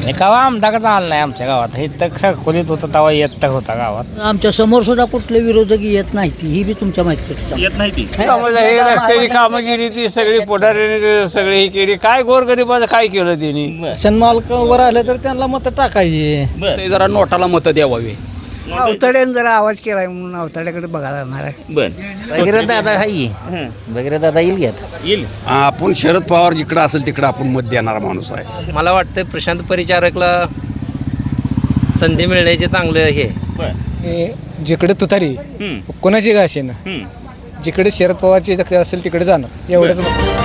कवा आमदारच आला नाही आमच्या गावात. हे तर खोलीत होतं तेव्हा येत होता गावात. आमच्या समोर सुद्धा कुठले विरोधक येत नाही ती ही बी तुमच्या माहिती येत नाही ती. हे रस्त्याची कामं केली ती सगळी पुढाऱ्याने सगळी ही केली. काय गोरगरिबाचं काय केलं त्यांनी? मालकावर आले तर त्यांना मतं टाकायची. बर जरा नोटाला मतं द्यावावी. अवताड्याने जरा आवाज केलाय म्हणून अवताड्याकडे बघायला जाणार आहे. बर वगैरे दादा हाई हं. वगैरे दादा येईल घेत. येईल. आपण शरद पवार जिकडं असेल तिकडं आपण मत देणारा माणूस आहे. मला वाटतं प्रशांत परिचारकला संधी मिळण्याचे चांगलं हे. बर जिकडे तुतारी हं. कोणाची का असेल हं. जिकडे शरद पवारची असेल तिकडे जाणार एवढंच.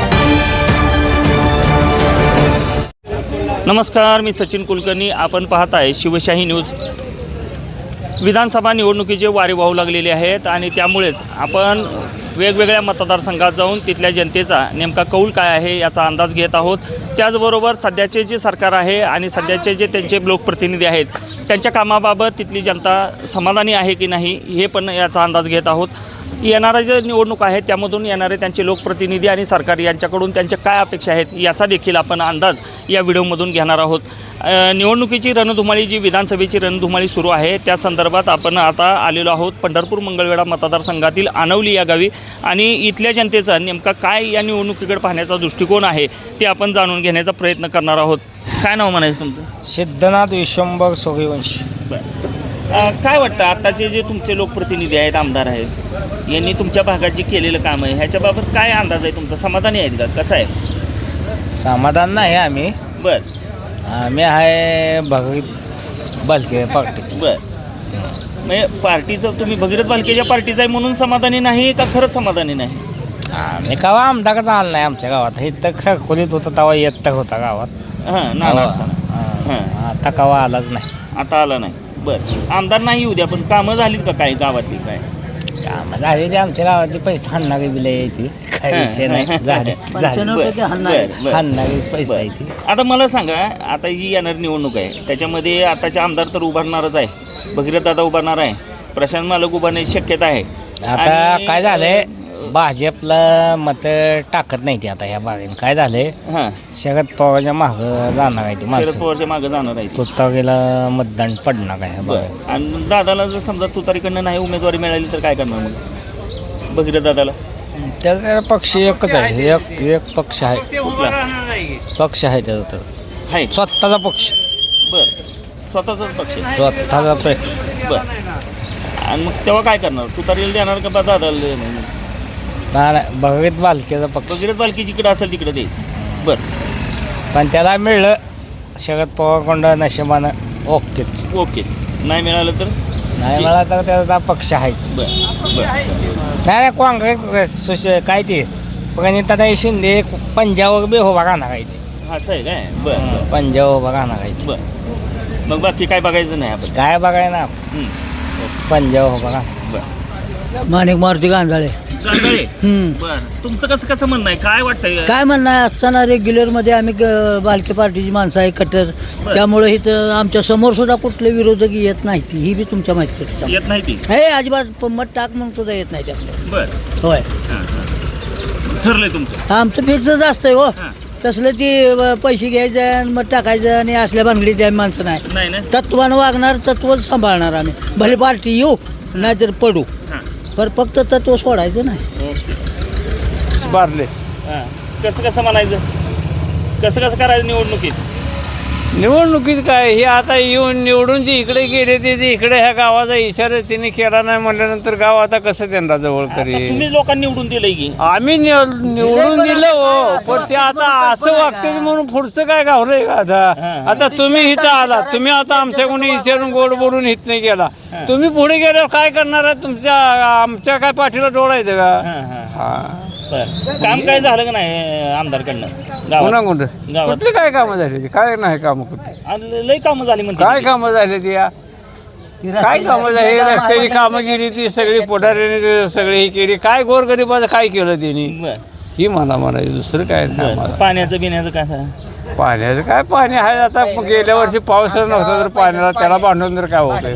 नमस्कार, मी सचिन कुलकर्णी. आपण पाहत आहे शिवशाही न्यूज. विधानसभा निवडणुकीचे वारे वाहू लागलेले आहेत आणि त्यामुळेच आपण वेगवेगळ्या मतदारसंघात जाऊन तिथल्या जनतेचा नेमका कौल काय आहे याचा अंदाज घेत आहोत. त्याचबरोबर सध्याचे जे सरकार आहे आणि सध्याचे जे त्यांचे लोकप्रतिनिधी आहेत त्यांच्या कामाबाबत तिथली जनता समाधानी आहे की नाही हे पण याचा अंदाज घेत आहोत. येणाऱ्या जे निवडणूक आहेत त्यामधून येणारे त्यांचे लोकप्रतिनिधी आणि सरकार यांच्याकडून त्यांच्या काय अपेक्षा आहेत याचा देखील आपण अंदाज या व्हिडिओमधून घेणार आहोत. निवडणुकीची रणधुमाळी जी विधानसभेची रणधुमाळी सुरू आहे त्या संदर्भात आपण आता आलेलो आहोत पंढरपूर मंगळवेढा मतदारसंघातील आनवली या गावी आणि इथल्या जनतेचा नेमका काय या निवडणुकीकडे पाहण्याचा दृष्टिकोन आहे ते आपण जाणून घेण्याचा प्रयत्न करणार आहोत. काय नाव म्हणायचं तुमचं? सिद्धनाथ विश्वंभर सूर्यवंशी. काय वाटतं आत्ताचे जे तुमचे लोकप्रतिनिधी आहेत, आमदार आहेत, यांनी तुमच्या भागात जे केलेलं काम आहे ह्याच्याबाबत काय अंदाज आहे तुमचा? समाधानी आहेत का? कसं आहे? समाधान नाही आम्ही. बरं आम्ही आहे भगीरथ बालके पार्टी. बरं म्हणजे पार्टीचं तुम्ही भगीरथ बालकेच्या पार्टीचं आहे म्हणून समाधानी नाही का खरंच समाधानी नाही? आम्ही कवा आमदारच आला नाही आमच्या गावात. हे तर खोलीत होतं तेव्हा येत होता गावात. हां नाना असताना. हां आता कवा आलाच नाही. आता आला नाही. बरं आमदार नाही येऊ द्या पण कामं झालीत का काय गावातली? काय कामं झाली ते आमच्या गावातली पैसे हाणणारी बिलं यायची. काही विषय नाही. झाले 95% हाणणार. हाणणारीच पैसा आहे ती. आता मला सांगा, आता जी येणारी निवडणूक आहे त्याच्यामध्ये आताचे आमदार तर उभारणारच आहे, भगीरथ दादा उभारणार आहे, प्रशांत मालक उभारण्याची शक्यता आहे. आता आणि- काय झालंय भाजपला मत टाकत नाही ते. आता ह्या बागेने काय झालंय हां शरद पवारच्या मागं जाणार आहे ते शरद माणसं. पवारच्या मागे जाणार आहे. तुतारीला मतदान पडणार आहे ह्या बागेत. बरं आणि दादाला जर समजा तुतारीकडनं नाही उमेदवारी मिळाली तर काय करणार मग भगीरथ दादाला? त्याचा पक्ष एकच आहे. एक पक्ष आहे. कुठला पक्ष आहे त्याचा तर आहे? स्वतःचा पक्ष. बरं स्वतःचाच पक्ष आहे. स्वतःचा पक्ष. बरं आणि मग तेव्हा काय करणार? तुतारीला देणार का दादाला देणार? नाही भगीरथ बालकेचा पक्ष. भगीरथ बालकी जिकडे असेल तिकडे द्यायचं. बरं पण त्याला मिळलं शरद पवारकडं नशिबानं ओकेच. ओके. नाही मिळालं तर नाही मला तर त्याचा पक्ष आहेच. बरं बरं नाही काँग्रेस काय ते प्रणिताताई शिंदे पंजाबवर बी उभा राहणार आहे ते. असं आहे काय? बरं बरं पंजाब उभा राहणार आहे ते. बरं मग बाकी काय बघायचं नाही आपण? काय बघाय ना हं. पंजाब उभा राहणार. बरं माणिक मारुती गांजाळे. चांगलं हम्म. बरं तुमचं कसं म्हणणं आहे? काय वाटतंय? काय म्हणणं आहे आजचा रेग्युलरमध्ये आम्ही बालके पार्टीची माणसं आहे कट्टर. त्यामुळे इथं आमच्या समोर सुद्धा कुठले विरोधक येत नाही ती ही बी तुमच्या माहिती. येत नाही ती. हे अजिबात मत टाक म्हणून सुद्धा येत नाही त्यातलं. बरं होय हां हां ठरलंय तुमचं? आमचं फिक्सच असतंय हो. हां तसलं ती पैसे घ्यायचं आणि मत टाकायचं आणि असल्या भानगडीत आम्ही माणसं नाही. नाही ना? तत्वानं वागणार, तत्वच सांभाळणार आम्ही. भले पार्टी येऊ नाहीतर पडू, हां पण फक्त तत्व सोडायचं नाही. ओके. बारले हां कसं म्हणायचं? कसं करायचं निवडणुकीत? निवडणुकीत काय हे आता येऊन निवडून जे इकडे गेले ते इकडे ह्या गावाचा इशारा तिने केला नाही म्हटल्यानंतर गाव आता कसं त्यांना जवळ आता करेल? तुम्ही लोकांनी निवडून दिलंय की? आम्ही निवडून दिलं हो, पण ते आता असं वागते म्हणून पुढचं काय गावलंय का आता? आता तुम्ही इथं आला, तुम्ही आता आमच्या कोणी विचारून गोड बोलून हित नाही गेला, तुम्ही पुढे गेल्यावर काय करणार आहे? तुमच्या आमच्या काय पाठीला डोळायचं का? हा बरं काम काय झालं का नाही आमदारकडनं पुन्हा गावात? कुठं कुठली काय कामं झाली? काय नाही कामं कुठली? आणि लई कामं झाली म्हणते. काय कामं झाली ती या? काय कामं झाली? रस्त्याची कामं केली ती सगळी पुढाऱ्याने सगळी ही केली. काय गोरगरिबाचं काय केलं त्यांनी? बरं ही मला म्हणायचं, दुसरं काय नाही बरं मला. पाण्याचं बिण्याचं काय झालं? पाण्याचं काय पाणी आहे आता. गेल्या वर्षी पावसाचं नव्हता तर पाण्याला त्याला बांधून तर काय होतं?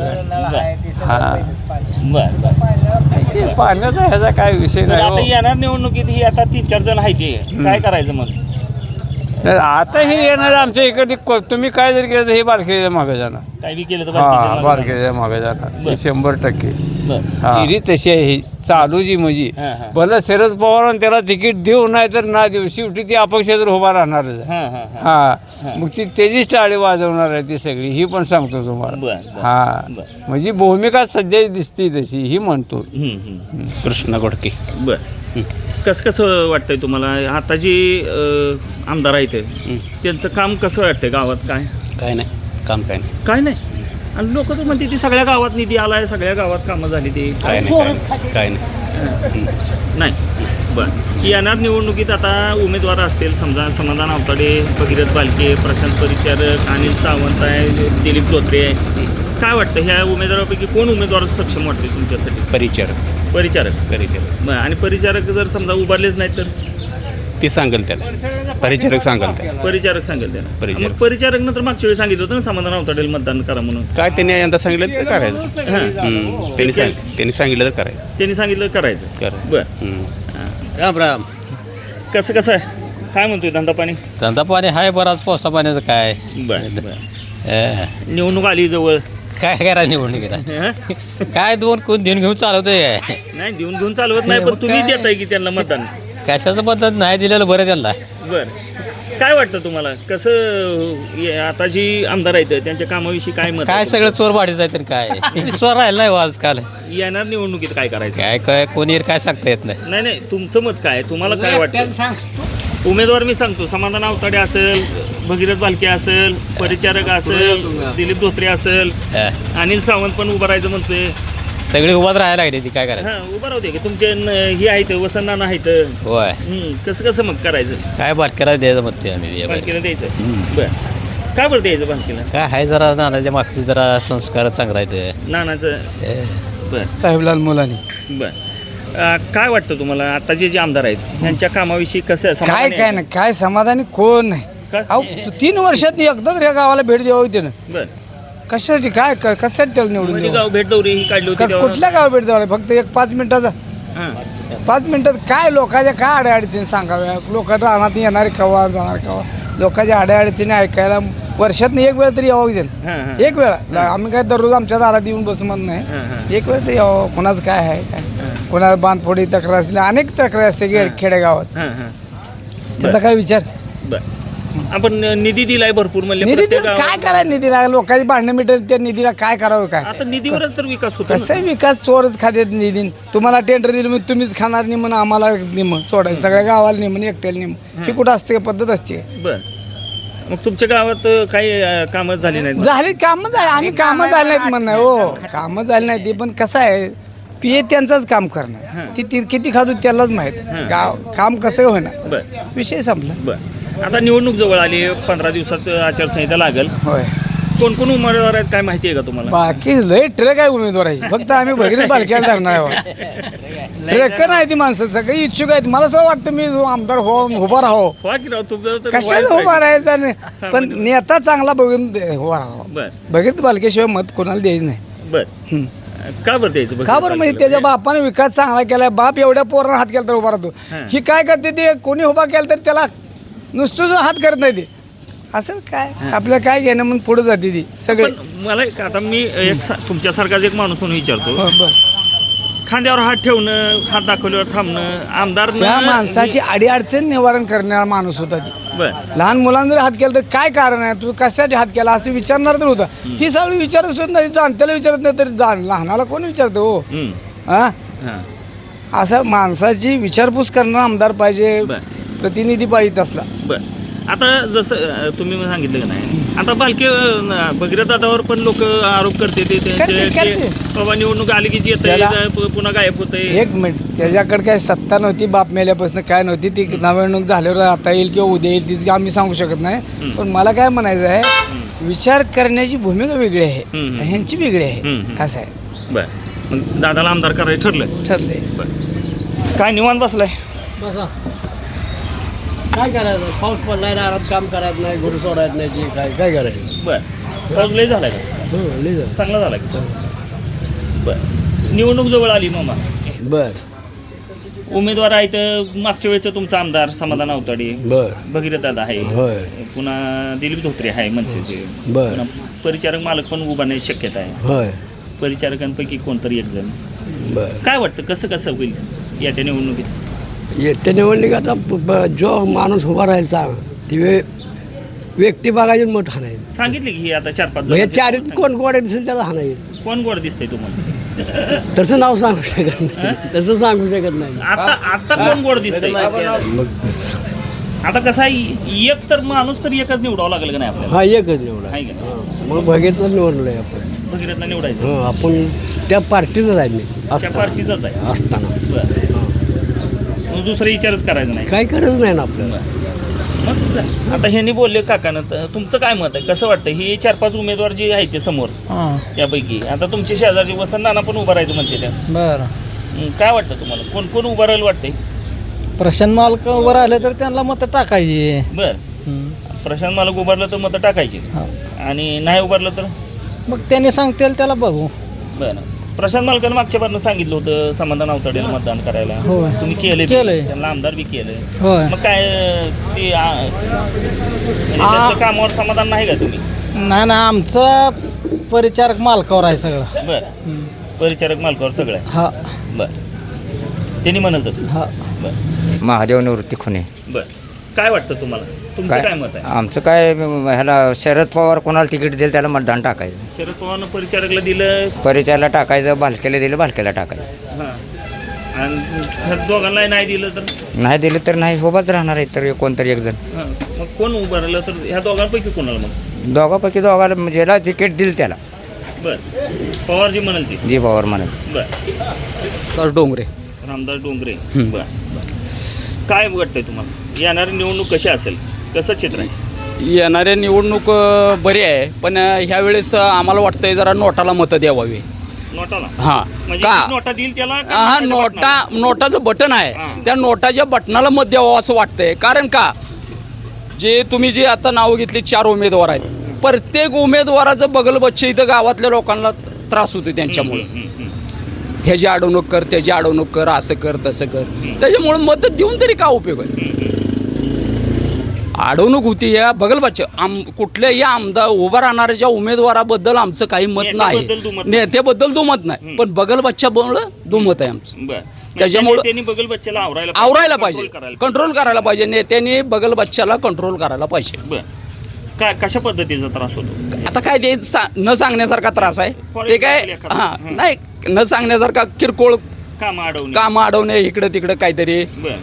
हा बरं बरं ते पाण्याचा ह्याचा काय विषय बरं, आता नाही येणार निवडणुकीत ही आता 3-4 जण आहेत. काय करायचं मग? नाही, आता हे येणार आमच्या इकडे तुम्ही काय जर केलं तर हे बारकेच्या मागे जाणार. काय बी केलं तर हा बारकेच्या मागे जाणार हे 100%. बरं. हिरी तशी आहे ही चालू जी म्हणजे हां, हां. भलं शरद पवारांनी त्याला तिकीट देऊ नाही तर ना देऊ, शेवटी ती अपक्ष तर उभा राहणारच आहे. हां, हां, हां. हा मग ती त्याचीच टाळी वाजवणार आहे ती सगळी, ही पण सांगतो तुम्हाला. बरं, बरं. हा बरं. म्हणजे भूमिका सध्या दिसते तशी ही म्हणतो. कृष्णा गोडके. बरं. कसं वाटतंय तुम्हाला आता जी आमदार आहेत त्यांचं काम कसं वाटतंय गावात? काय नाही काम काय नाही काय नाही. आणि लोक तर म्हणते ती सगळ्या गावात निधी आलाय, सगळ्या गावात कामं झाली ती काय नाही काय नाही नाही. बरं. येणार निवडणुकीत आता उमेदवार असतील समजा समाधान आवताडे, भगीरथ बालके, प्रशांत परिचारक, अनिल सावंत आहे, दिलीप धोत्रे आहे. काय वाटतं ह्या उमेदवारापैकी कोण उमेदवार सक्षम वाटते तुमच्यासाठी? परिचारक बरं. आणि परिचारक जर समजा उभारलेच नाहीत तर ती सांगेल त्याला परिचारक सांगेल त्याला परिचारक सांगेल त्याला. परिचारक. मग परिचारकनं तर मागच्या वेळी सांगितलं होतं ना समाधान आवताडेल मतदान करा म्हणून. काय त्यांनी यंदा सांगितलं ते करायचं. त्यांनी सांगितलं तर करायचं. त्यांनी सांगितलं करायचं. करायचं. बरं. राम राम. कसं आहे काय म्हणतोय धंदा पाणी? धंदा पाणी हाय बराच, पावसा पाण्याचं काय. बरं. निवडणूक आली जवळ, काय करा निवडणुकीला हं? काय दोन कोण देऊन घेऊन चालवतोय. नाही देऊन चालवत नाही, पण तुम्ही देताय की त्यांना मतदान? कशाचं पद्धत नाही दिलेलं बरं त्यांना. बरं. काय वाटतं तुम्हाला कसं आता जी आमदार आहेत त्यांच्या कामाविषयी काय मत? काय सगळं चोर वाढीत आहे तर काय विश्वास राहिला नाही हो आजकाल. येणार निवडणुकीत काय करायचं? काय काय कोणी काय सांगता येत नाही. नाही तुमचं मत काय? तुम्हाला काय वाटतं? उमेदवार मी सांगतो, समाधान आवताडे असेल, भगीरथ बालके असेल, परिचारक असेल, दिलीप धोत्रे असेल, अनिल सावंत पण उभं राहायचं म्हणतोय. सगळी उभाच राहायला लागली ती काय करायचं. हां उभं राहू दे की तुमचे ही आहेत वसंतनाना आहेत. होय कसं मग करायचं? काय बाटक्याला द्यायचं मत ते आम्ही बालकीला द्यायचं. बरं. काय बरं द्यायचं बालकीला? काय आहे जरा नानाच्या मागचे जरा संस्कार चांगला आहे. नानाचं. बरं. साहेबलाल मुलानी. बरं. काय वाटतं तुम्हाला आता जे आमदार आहेत त्यांच्या कामाविषयी कसं काय काय नाही काय समाधानी कोण नाही. काय? अहो 3 वर्षात एकदाच या गावाला भेट द्यावी त्यानं. बरं. कशासाठी काय कशासाठी त्याला निवडून म्हणजे द्यावं? गाव भेट दौरी ही काढली होती तेव्हा? कुठल्या गावा भेट द्यावं फक्त एक 5 मिनिटाचा. हां. 5 मिनिटात काय लोकांच्या काय अडचणी सांगाव्या? लोक रानात येणारे कवा जाणार कवा, लोकांच्या अडचणी ऐकायला वर्षात एक वेळा तरी यावं हां, हां. देणं. एक वेळा. आम्ही काय दररोज आमच्या दारात येऊन बसू म्हणत हां, नाही. हां. एक वेळ तरी यावं. कोणाचं काय आहे काय, कोणाला बांधफोडी तक्रार असते, अनेक तक्रार असते खेडेगावात. हां, हां. त्याचा काय विचार? बरं. आपण निधी दिलाय भरपूर म्हणले निधी प्रत्येक काय गावाला. करायला निधीला? लोकांची भांडणं मिटत त्या निधीला काय करावं काय? आता निधीवरच तर विकास होतो ना. कसं विकास चोरच खात्यात निधी. तुम्हाला टेंडर दिलं म्हणजे तुम्हीच खाणार निमन, आम्हाला निम सोडायचं, सगळ्या गावाला निमन, एकट्याला निम. ही कुठं असते पद्धत असते? बरं. मग तुमच्या गावात काही कामं झाली नाहीत? झाली कामं झाली. आम्ही कामं झाली नाहीत म्हणणार हो, कामं झाली नाही ती. पण कसं आहे पीए त्यांचंच काम करणार. ती किती खातो त्यालाच माहीत. गाव काम कसं होणार, बरं. विषय संपला. बरं. आता निवडणूक जवळ आली, 15 दिवसात आचारसंहिता लागेल. होय. कोण उमेदवार आहेत काय माहिती आहे का तुम्हाला? बाकी लय ट्रक आहे उमेदवाराची, फक्त आम्ही भगीरथ बालक्याला धरणार आहे. ट्रक नाही ती माणसं सगळी इच्छुक आहेत. मला असं वाटतं मी जो आमदार उभा राहो. हो की राव, तुमचं तर कशाला व्हायचं उभा आहे. राहायचा? पण नेता चांगला बघून उभा राहावा. बरं. भगीरथ बालकेशिवाय मत कोणाला द्यायचं नाही. बरं. का बरं द्यायचं? का बरं? म्हणजे त्याच्या बापाने विकास चांगला केलाय. बाप एवढ्या पोरांना हात केला तर उभा राहतो. ही काय करते ते, कोणी उभा केला तर त्याला नुसतं हात करत नाही ते. असं काय आपल्याला काय घेणं म्हणून पुढे जाते ती सगळे. पण मला आता मी तुमच्यासारखाच एक माणूस म्हणून विचारतो, बरं. खांद्यावर हात ठेवणं, हात दाखवल्यावर थांबणं, आमदार त्या माणसाची अडीअडचण निवारण करणारा माणूस होता ती. बरं. लहान मुलांना जर हात केला तर काय कारण आहे, तू कशासाठी हात केला असं विचारणार तर होता. ही सगळी विचारत सुद्धा नाही, जाणत्याला विचारत नाही तर लहानाला कोण विचारतो हो? हा, हां. असं माणसाची विचारपूस करणारा आमदार पाहिजे, प्रतिनिधी पाहिजे असला. बरं. आता जसं तुम्ही सांगितलं का नाही, आता बालके भगीरथ दादावर पण लोक आरोप करते ते करते. बाबा निवडणूक आली की पुन्हा गायब होते. एक मिनिट, त्याच्याकडे काय सत्ता नव्हती, बाप मेल्यापासून काय नव्हती. ती निवडणूक झाल्यावर आता येईल किंवा उद्या येईल तीच आम्ही सांगू शकत नाही. पण मला काय म्हणायचं आहे, विचार करण्याची भूमिका वेगळी आहे, ह्यांची वेगळी आहे. असं आहे. बरं. मग दादाला आमदार करायचं ठरलंय. बरं. काय निवांत बसलाय? काय करायचं, पाऊस पडलाय, आराम काम करायचं नाही, गुरु सोडायचं नाही, काय काय करायचं. बरं. पाऊस लय झालाय का? चांगला झाला का? बरं. निवडणूक जवळ आली मामा. बर. उमेदवार आहेत मागच्या वेळेचं तुमचा आमदार समाधान आवताडे, बर भगीरथ दादा आहे, होय पुन्हा दिलीप धोत्रे आहे मनसेचे, बर पुन्हा परिचारक मालक पण उभारण्याची शक्यता आहे. होय परिचारकांपैकी कोणतरी एक जण. बर काय वाटतं कसं होईल या निवडणुकीत? येत्या निवडणुकीत आता जो माणूस उभा राहायचा ती व्यक्ती बघायची मत हाणायचं. सांगितले की आता 4-5 मग या चारीत कोण गोड दिसेल त्याला हाणायचं. कोण गोड दिसतंय तुम्हाला? तसं नाव सांगू शकत नाही, तसं सांगू शकत नाही. आता कोण गोड दिसतंय? मग आता कसं आहे, एक तर माणूस तर एकच निवडावं लागेल का नाही आपल्याला? हा एकच निवडा आहे का नाही? मग बघितलं निवडलोय आपण. भगीरथला निवडायचं. आपण त्या पार्टीचाच आहे मी त्या पार्टीचाच आहे असताना. मग दुसरा विचारच करायचा नाही. काय गरज नाही ना आपल्याला. मग आता ह्यांनी बोलले काकानं, तर तुमचं काय मत आहे? कसं वाटतं हे 4-5 उमेदवार जे आहेत ते समोर त्यापैकी आता तुमचे शेजारचे वसंत नाना पण उभं राहायचं म्हणते त्या. बरं काय वाटतं तुम्हाला कोण कोण उभं राहायला वाटतंय? प्रशांत मालक वर आले तर त्यांना मत टाकायची. बरं, प्रशांत मालक उभारलं तर मतं टाकायची आणि नाही उभारलं तर मग त्यांनी सांगतील त्याला बघू. बरं, प्रशांत मालकानं मागच्या बारनं सांगितलं होतं समाधान आवताडेला मतदान करायला. होय. तुम्ही केलंय, त्यांना आमदार बी केलंय. होय. मग काय ते म्हणजे त्यांचं कामावर समाधान नाही का तुम्ही? नाही ना, आमचं परिचारक मालकावर आहे सगळं. बरं, परिचारक मालकावर सगळं आहे. हा बरं, त्यांनी म्हणाल तसं. हा बरं महादेव निवृत्ती खुने. बरं, काय वाटतं तुम्हाला? तुमचं काय मत आहे? आमचं काय ह्याला शरद पवार कोणाला तिकीट देईल त्याला मतदान टाकायचं. शरद पवारनं परिचारकला दिलं. परिचयाला टाकायचं, भालकेला दिलं भालकेला टाकायचं. हां, आणि ह्या दोघांना नाही दिलं तर? नाही दिलं तर नाही, सोबत राहणार आहे तर कोणतरी एक जण. हां, मग कोण उभं राहिलं तर ह्या दोघांपैकी कोणाला? मग दोघापैकी दोघाला म्हणजे ज्याला तिकीट दिलं त्याला. बरं, पवार जी म्हणाल ती. जी पवार म्हणाल. बरं, डोंगरे रामदास डोंगरे. बरं, काय वाटतंय तुम्हाला येणारी निवडणूक कशी असेल? कसं चित्र आहे? येणाऱ्या निवडणूक बरी आहे, पण ह्या वेळेस आम्हाला वाटतंय जरा नोटाला मतं द्यावावी. नोटाला? हां म्हणजे का? नोटा देईल त्याला? हा, नोटाचं बटन आहे, हां. त्या नोटाच्या बटनाला मत द्यावं असं वाटतंय. कारण का, तुम्ही जे आता नावं घेतली 4 उमेदवार आहेत, प्रत्येक उमेदवाराचं बगल बच्चे इथं गावातल्या लोकांना त्रास होतो त्यांच्यामुळे. ह्याची अडवणूक कर, त्याची अडवणूक कर, असं कर तसं कर. त्याच्यामुळे मत देऊन तरी काय उपयोग आहे? अडवणूक होती या बगलबाच्या कुठल्याही आमदार उभा राहणाऱ्या उमेदवाराबद्दल आमचं काही मत नाही, नेत्याबद्दल दुमत नाही, पण बगलबाच्यामुळं दुमत आहे आमचं. त्याच्यामुळं त्यांनी बगल बच्च्याला आवरायला पाहिजे, कंट्रोल करायला पाहिजे. नेत्यांनी बगलबाच्याला कंट्रोल करायला पाहिजे. बरं, काय कशा पद्धतीचा त्रास होतो? आता काय ते न सांगण्यासारखा त्रास आहे ते काय. हां, नाही, न सांगण्यासारखा किरकोळ कामं अडवणे, इकडं तिकडं काहीतरी.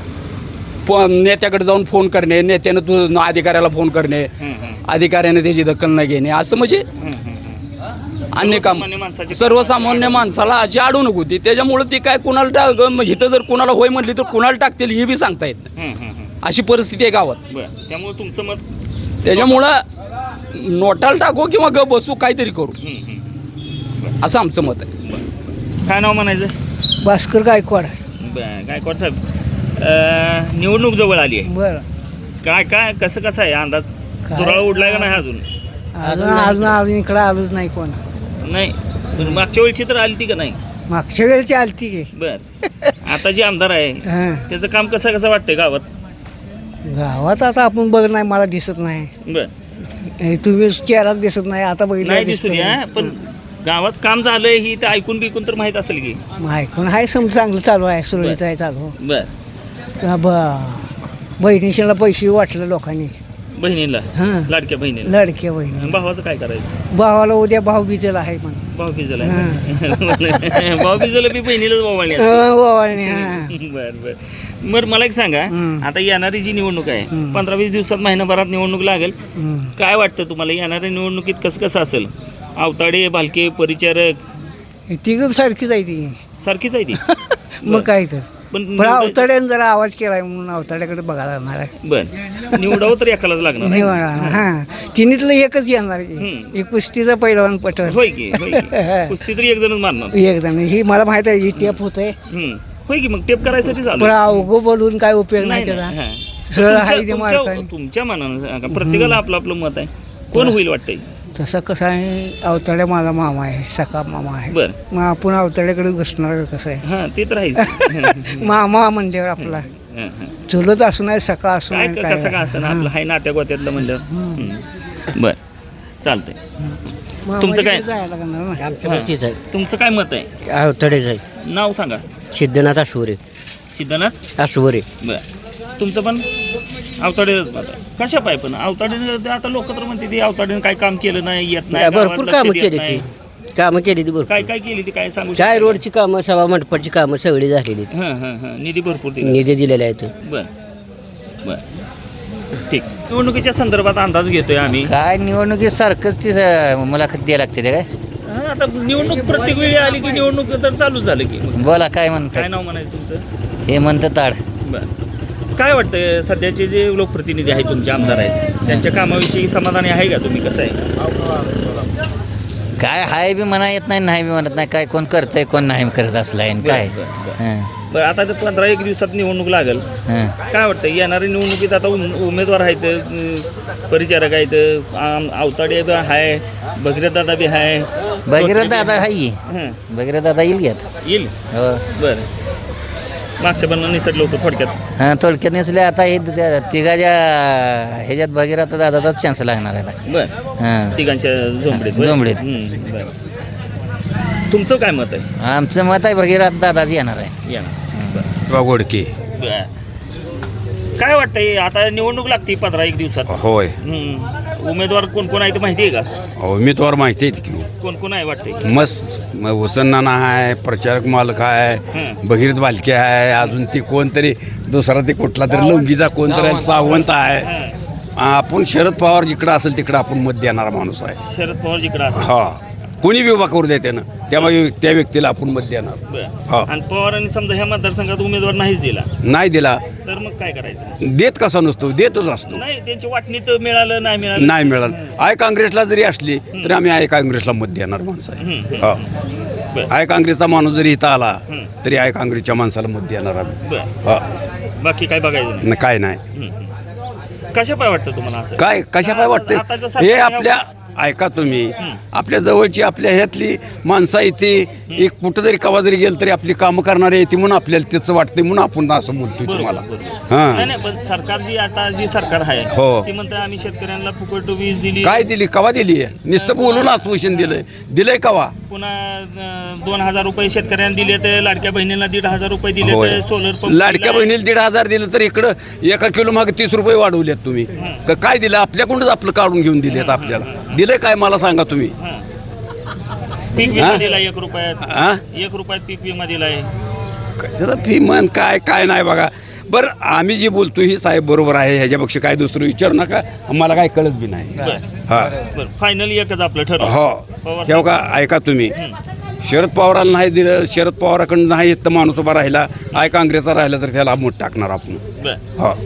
नेत्याकडे जाऊन फोन करणे, नेत्यानं तू अधिकाऱ्याला फोन करणे, अधिकाऱ्याने त्याची दखल न घेणे, असं म्हणजे अन्य काम. सर्वसामान्य माणसाला जी अडवणूक होती त्याच्यामुळे ती काय कुणाला इथं जर कुणाला होय म्हणली तर कुणाला टाकतील हे बी सांगता येत नाही, अशी परिस्थिती आहे गावात. त्यामुळे तुमचं मत त्याच्यामुळं नोटाला टाकू किंवा ग बसू, काहीतरी करू, असं आमचं मत आहे. काय नाव म्हणायचं? भास्कर गायकवाड. गायकवाड साहेब, निवडणूक जवळ आली आहे. बरं, काय कसं आहे अंदाज? दुराळा उडलाय का नाही अजून? अजून इकडं आलोच नाही कोण. नाही, मागच्या वेळची तर आली ती का नाही? मागच्या वेळची आलती की. बर, आता जे आमदार आहे त्याचं काम कसं वाटतंय गावात? गावात आता आपण बघ नाही, मला दिसत नाही. बर, तुम्ही चेहरा दिसत नाही, आता बघितलं दिसत. पण गावात काम झालंय ही तर ऐकून बिकून तर माहित असेल की. ऐकून आहे, चांगलं चालू आहे, सुरळीत आहे चालू. बर, बहिणीशीला पैसे वाटले लोकांनी. बहिणीला? हां, लाडक्या बहिणीला. लाडक्या बहिणी. भावाचं काय करायचं? भावाला उद्या भाऊबीजेला आहे म्हणून. भाऊबीजेला? भाऊबीजेला बी बहिणीलाच ओवाळणी? बर. बरं, मला एक सांगा, आता येणारी जी निवडणूक आहे 15-20 दिवसात, महिनाभरात निवडणूक लागेल. काय वाटतं तुम्हाला येणाऱ्या निवडणुकीत कसं असेल? आवताडे, भालके, परिचारक ती सारखीच आहे ती. सारखीच आहे ती? मग काय तर, पण अवताड्यानं जरा आवाज केलाय म्हणून अवताड्याकडे बघायला लागणार आहे. बर, निवडावं तर एकालाच लागणार. हां, तिन्हीतलं एकच येणार. एक कुस्तीचा पहिलवान पटल. होय की? कुस्ती तरी एक जणच मारणार. एक जण, ही मला माहित आहे, ही टेप होत आहे. होय की? मग टेप करायसाठी पण अवघं बोलून काय उपयोग नाही त्याचा. सरळ आहे ते मार्ग. तुमच्या मनानं प्रत्येकाला आपलं आपलं मत आहे. कोण होईल वाटतंय? तसं कसं आहे, अवताडे माझा मामा आहे, सखा मामा आहे. बर मग आपण अवताड्याकडे बसणार कसं आहे? हां ते तर आहेच. मामा म्हणल्यावर आपला हां, हां. चुलत असून आहे, सखा असून काय आहे, कसं का असं ना आपलं हाय नाट्या गोत्यातलं म्हणलं. बर चालतंय. तुमचं काय? जायला लागणार ना. आमच्या तुमचं काय मत आहे? अवतडेच आहे. नाव सांगा. सिद्धनाथ आसवरे. सिद्धनाथ आसवरे. बर तुमचं पण अवताडे कशा पाय पण अवताडे आता लोक तर म्हणते ती अवताडेने काय काम केलं नाही, येत नाही, भरपूर गावात लक्ष कामं देत केली नाही. ती कामं केली ती भरपूर. काय काय केली ती काय सांगू काय शकता? रोडची कामं, सभा मंडपाची कामं सगळी झालेली आहेत. हां हां हां निधी भरपूर दिला. निधी दिलेले आहेत. बर बर ठीक. निवडणुकीच्या संदर्भात अंदाज घेतोय आम्ही. काय निवडणुकीसारखंच ती मुलाखत द्यायला लागते ते काय. हां, आता निवडणूक प्रत्येक वेळी आली की निवडणूक तर चालूच झालं की. बोला काय काय म्हणतात. नाव म्हणायचं तुमचं? हे म्हणतं ताड. बर काय वाटतं सध्याचे जे लोकप्रतिनिधी आहेत तुमचे आमदार आहेत त्यांच्या कामाविषयी समाधानी आहे का तुम्ही? कसं आहे? काय हाय बी म्हणा येत नाही, नाही बी म्हणत नाही. काय कोण करतंय कोण नाही करत असलं आहे काय. बरं, बरं, बरं. हां, बरं आता तर 15-1 दिवसात निवडणूक लागेल. हां. काय वाटतं येणाऱ्या निवडणुकीत आता उमेदवार आहेत, परिचारक आहेत, अवताडे बी आहे, भगीरथ दादा बी आहे. भगीरथ दादा हाय. हं, भगीरथ दादा येईल घेत. येईल. हो. बरं मागच्या पण निसटलं होतं थोडक्यात. हां थोडक्यात नसले आता हे तिघाच्या ह्याच्यात भगीरथ दादाचाच चान्स लागणार आहे आता. बरं हां तिघांच्या झोंबडीत. बरं. झोंबडीत. बरं तुमचं काय मत आहे? आमचं मत आहे भगीरथ दादाच येणार आहे. या ना. गोडके. बरं काय वाटतंय आता निवडणूक लागते 15-1 दिवसात. होय. उमेदवार कोण कोण आहे ते माहिती आहे का? उमेदवार माहिती आहेत की. कोण कोण आहे वाटतंय? मस्त हुसन नाना आहे, प्रचारक मालक आहे, हं. भगीरथ बालके आहे, अजून ती कोणतरी दुसरा ते कुठला तरी लवंगीचा कोणतरी आहे, सावंत आहे. हं. आपण शरद पवार जिकडं असेल तिकडं आपण मत देणारा माणूस आहे. शरद पवार जिकडे असं. हा कोणी बी उभा करू दे त्यानं त्यामुळे त्या व्यक्तीला आपण मत देणार. हा. आणि पवारांनी समजा ह्या मतदारसंघात उमेदवार नाहीच दिला नाही दिला तर मग काय करायचं? देत कसा नसतो, देतच असतो. नाही त्यांची वाटणीत मिळालं नाही मिळालं. नाही मिळालं. आय काँग्रेसला जरी असली तरी आम्ही आय काँग्रेसला मत देणार माणसं आहे. हं, हा बरं. आय काँग्रेसचा माणूस जरी इथं आला हं. तरी आय काँग्रेसच्या माणसाला मत देणार आम्ही. बरं हा बाकी काय बघायचं नाही. काय नाही. कशा पाय वाटतं तुम्हाला असं? काय कशा काय वाटते आताचं हे सरकार आपल्या ऐका तुम्ही आपल्या जवळची आपल्या ह्यातली माणसं येते एक कुठं जरी कवा जरी गेलं तरी आपली कामं करणारे येते म्हणून आपल्याला त्याचं वाटते म्हणून आपण असं बोलतोय बरोबर, तुम्हाला. बरोबर. हां नाही नाही पण सरकार जी आता जी सरकार आहे हो. ती म्हणते आम्ही शेतकऱ्यांना फुकट वीज दिली. काय दिली कवा दिली नुसतं बोलून आश्वासन दिलंय कवा. पुन्हा 2,000 रुपये शेतकऱ्यांना दिले तर लाडक्या बहिणीला 1,500 रुपये दिले होय. तर सोलर पंप लाडक्या बहिणीला 1,500 दिलं तर इकडं 1 किलो मागे 30 रुपये वाढवलेत तुम्ही. काय दिलं आपल्याकडूनच आपलं काढून घेऊन दिलेत आपल्याला. दिलंय काय मला सांगा तुम्ही. पीक विमा दिला 1 रुपयात. हा 1 रुपयात पीक विमा दिलाय. कशाचा फी म्हण काय काय नाही बघा. बरं आम्ही जे बोलतो ही साहेब बरोबर आहे ह्याच्यापेक्षा काय दुसरं विचारू नका आम्हाला काय कळत बी नाही. हा बरं फायनली एकच आपलं ठरलं. हो पवार हे का ऐका तुम्ही शरद पवाराला नाही दिलं शरद पवाराकडून नाही येत तर माणूस उभा राहिला आय काँग्रेसचा राहिला तर त्याला मत टाकणार आपण. बरं हो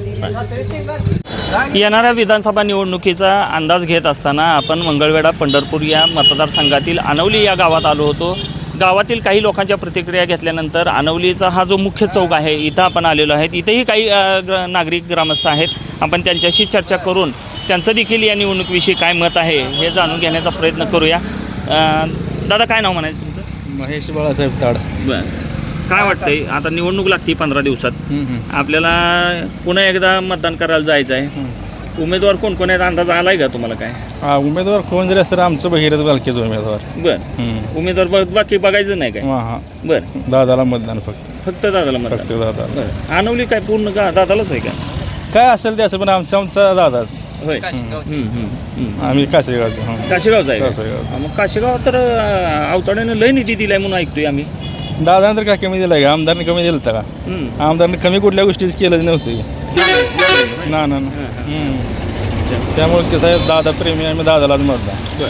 येणाऱ्या विधानसभा निवडणुकीचा अंदाज घेत असताना आपण मंगळवेढा पंढरपूर या मतदारसंघातील अनवली या गावात आलो होतो. गावातील काही लोकांच्या प्रतिक्रिया घेतल्यानंतर अनवलीचा हा जो मुख्य चौक आहे इथं आपण आलेलो आहेत. इथेही काही नागरिक ग्रामस्थ आहेत. आपण त्यांच्याशी चर्चा करून त्यांचं देखील या निवडणुकीविषयी काय मत आहे हे जाणून घेण्याचा प्रयत्न करूया. दादा काय नाव म्हणायचं तुमचं? महेश बाळासाहेब ताड. बरं काय वाटतंय आता निवडणूक लागते 15 दिवसात आपल्याला पुन्हा एकदा मतदान करायला जायचं आहे. उमेदवार कोण कोण आहेत अंदाज आलाय का तुम्हाला काय? उमेदवार कोण जरी असतं आमचं भगीरथ बालकेच उमेदवार. बरं उमेदवार बाकी बघायचं नाही काय? हां बरं दादाला मतदान फक्त दादाला मतदान. फक्त दादा. बरं अनवली काय पूर्ण का दादालाच आहे का? काय असेल ते असं पण आमचा दादाच. होय आम्ही कासेगावचं. काशेगावचा आहे कासेगाव. का? मग काशेगाव तर अवताड्यानं लय निधी दिलाय म्हणून ऐकतोय आम्ही. दादानं तर काय कमी दिलं का आमदारने कमी दिलं होतं का? आमदारने कमी कुठल्या गोष्टीच केलं नव्हतं ना ना त्यामुळे कसं आहे दादा प्रेमी आम्ही दादालाच मतदान.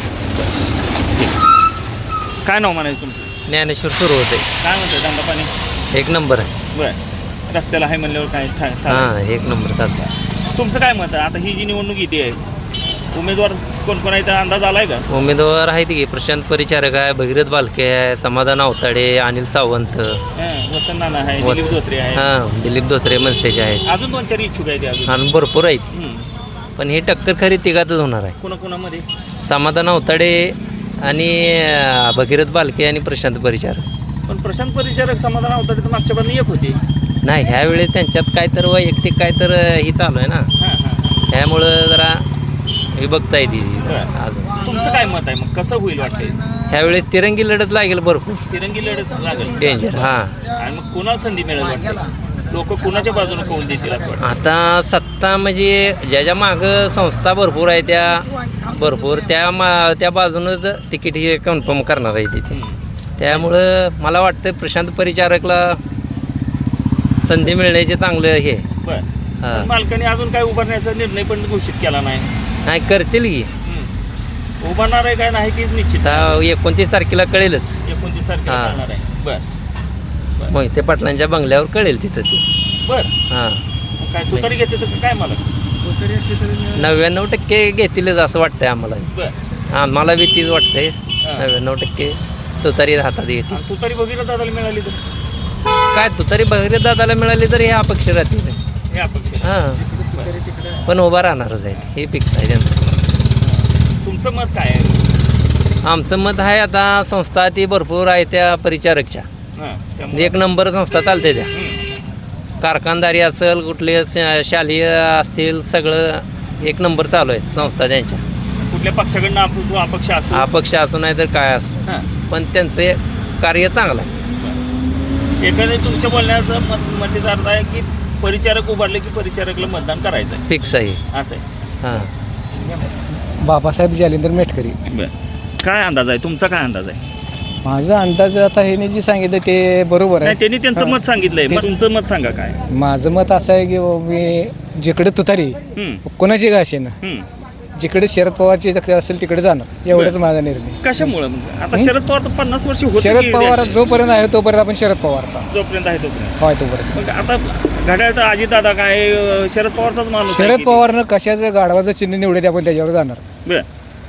काय नाव म्हणायचं तुमचं? ज्ञानेश्वर सुरू होते. काय म्हणतंय धंदा पाणी? 1 नंबर आहे. बरं रस्त्याला आहे म्हणल्यावर काय हां 1 नंबर चालतं. तुमचं काय मत आहे आता ही जी निवडणूक येते आहे उमेदवार कोण कोण आहे तर अंदाज आलाय का? उमेदवार आहेत की प्रशांत परिचारक आहे, भगीरथ बालके आहे, समाधान अवताडे, अनिल सावंत, वसंत नाना आहे, दिलीप धोत्रे आहे, हां दिलीप धोत्रे मनसेचे आहेत. अजून 2-4 इच्छुक आहेत अजून. आणि भरपूर आहेत पण ही टक्कर खरी तिघातच होणार आहे. कोणाकोणामध्ये? समाधान अवताडे आणि भगीरथ बालके आणि प्रशांत परिचारक. पण प्रशांत परिचारक समाधान अवताडे तर मागच्या बाजूने एक होते. नाही ह्यावेळी त्यांच्यात काय तर वैयक्तिक काय तर ही चालू आहे ना, हां हां. त्यामुळं जरा हे बघता येते अजून. तुमचं काय मत आहे मग, कसं होईल वाटतंय? ह्यावेळेस तिरंगी लढत लागेल भरपूर, तिरंगी लढत लागेल. डेंजर. हां, आणि मग कुणाला संधी मिळेल वाटतं? लोक कुणाच्या बाजूने कौल देतील असं वाटतं? आता सत्ता म्हणजे ज्याच्या मागं संस्था भरपूर आहे त्या भरपूर त्या बाजूनच तिकीट हे कन्फर्म करणार आहे तिथे. त्यामुळं मला वाटतं प्रशांत परिचारकला संधी मिळण्याचे चांगलं हे. बरं. हां. पण मालकाने अजून काय उभारण्याचा निर्णय पण घोषित केला नाही. नाही करतील की उभारणार आहे काय नाही तीच निश्चित. आता 29 तारखेला कळेलच. 29 तारखेला हां. करणार आहे. बरं मोहिते पाटलांच्या बंगल्यावर कळेल तिथं ते. बरं. हां, मग काय तुतारी घेते तर काय मला? 99% घेतीलच असं वाटतंय आम्हाला. बरं. आम्हाला बी तीच वाटतंय. 99% तुतारी हातात येते. आणि तुतारी वगैरे दादाला मिळाली तर काय तुतारी भगीरथ दादाला मिळाली तर हे अपक्ष राहतील. हे अपेक्षा. हां, पण उभा राहणारच आहे हे फिक्स आहे त्यांचं. तुमचं मत काय आहे? आमचं मत आहे आता संस्था ती भरपूर आहे त्या परिचारकच्या. हां, त्यामुळे- एक नंबर संस्था चालते त्या. कारखानदारी असेल कुठले शालेय असतील सगळं एक नंबर चालू आहे संस्था त्यांच्या. कुठल्या पक्षाकडनं अपक्ष असो. अपक्ष असू नाही तर काय असो, हां. पण त्यांचे कार्य चांगलं आहे. एखाद्या तुमच्या बोलण्याचं मतीचा अर्थ आहे की परिचारक उभारले की परिचारकला मतदान करायचं आहे, फिक्स आहे. असं आहे. हां, बाबासाहेब जालिंदर मेटकरी. काय अंदाज आहे तुमचा? काय अंदाज आहे? माझा अंदाज आता हे जे सांगितलं ते बरोबर नाही, आहे. त्यांनी त्यांचं मत सांगितलंय. मग तुमचं मत सांगा काय? माझं मत असं आहे की मी जिकडे तुतारी कोणाची का असे ना, जिकडे शरद पवारची दखल असेल तिकडे जाणार, एवढंच माझा निर्णय. कशामुळं? मग आता शरद पवार तर 50 वर्ष होते शरद की पवार जोपर्यंत आहे तोपर्यंत आपण शरद पवारचा जोपर्यंत आहे तोपर्यंत. होय तोपर्यंत. मग आता घड्याळ तर अजितदादा काय शरद पवारचाच माणूस आहे शरद की? पवारनं कशाचं गाढवाचं चिन्ह निवडे आपण त्याच्यावर जाणार, बरं.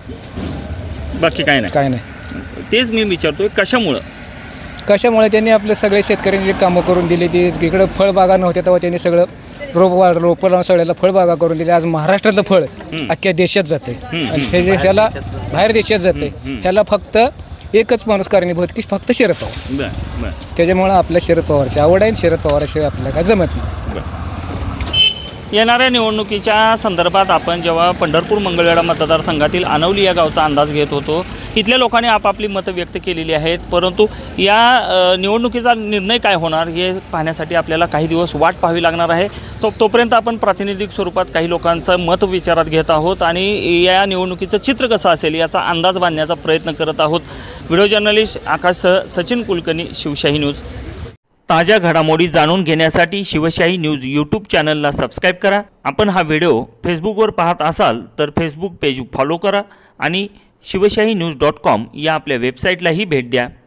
बाकी काय नाही. काय नाही. तेच मी विचारतोय कशामुळं? कशामुळे त्यांनी आपले सगळे शेतकऱ्यांची कामं करून दिली. ती इकडं फळबागा नव्हत्या तेव्हा त्यांनी सगळं रोपं लावून सगळ्याला फळबागा करून दिली. आज महाराष्ट्रातलं फळ अख्ख्या देशात जाते आणि ह्याला बाहेर देशात जाते. ह्याला फक्त एकच माणूस कारणीभूत की फक्त शरद पवार. बरं बरं त्याच्यामुळं आपल्या शरद पवारची आवड आहे. शरद पवाराशिवाय आपल्याला काय जमत नाही. बरं. येणाऱ्या निवडणुकीच्या संदर्भात आपण जेव्हा पंढरपूर मंगळवेढा मतदारसंघातील अनवली या गावचा अंदाज घेत होतो, इथल्या लोकांनी आपापली मतं व्यक्त केलेली आहेत. परंतु या निवडणुकीचा निर्णय काय होणार हे पाहण्यासाठी आपल्याला काही दिवस वाट पाहावी लागणार आहे. तोपर्यंत आपण प्रातिनिधिक स्वरूपात काही लोकांचं मत विचारात घेत आहोत आणि या निवडणुकीचं चित्र कसं असेल याचा अंदाज बांधण्याचा प्रयत्न करत आहोत. व्हिडिओ जर्नलिस्ट आकाशसह सचिन कुलकर्णी, शिवशाही न्यूज. ताज्या घडामोडी जाणून घेण्यासाठी शिवशाही न्यूज यूट्यूब चॅनलला सबस्क्राईब करा. आपण हा व्हिडिओ फेसबुकवर पाहत असाल तर फेसबुक पेज फॉलो करा आणि शिवशाही न्यूज.com या आपल्या वेबसाईटलाही भेट द्या.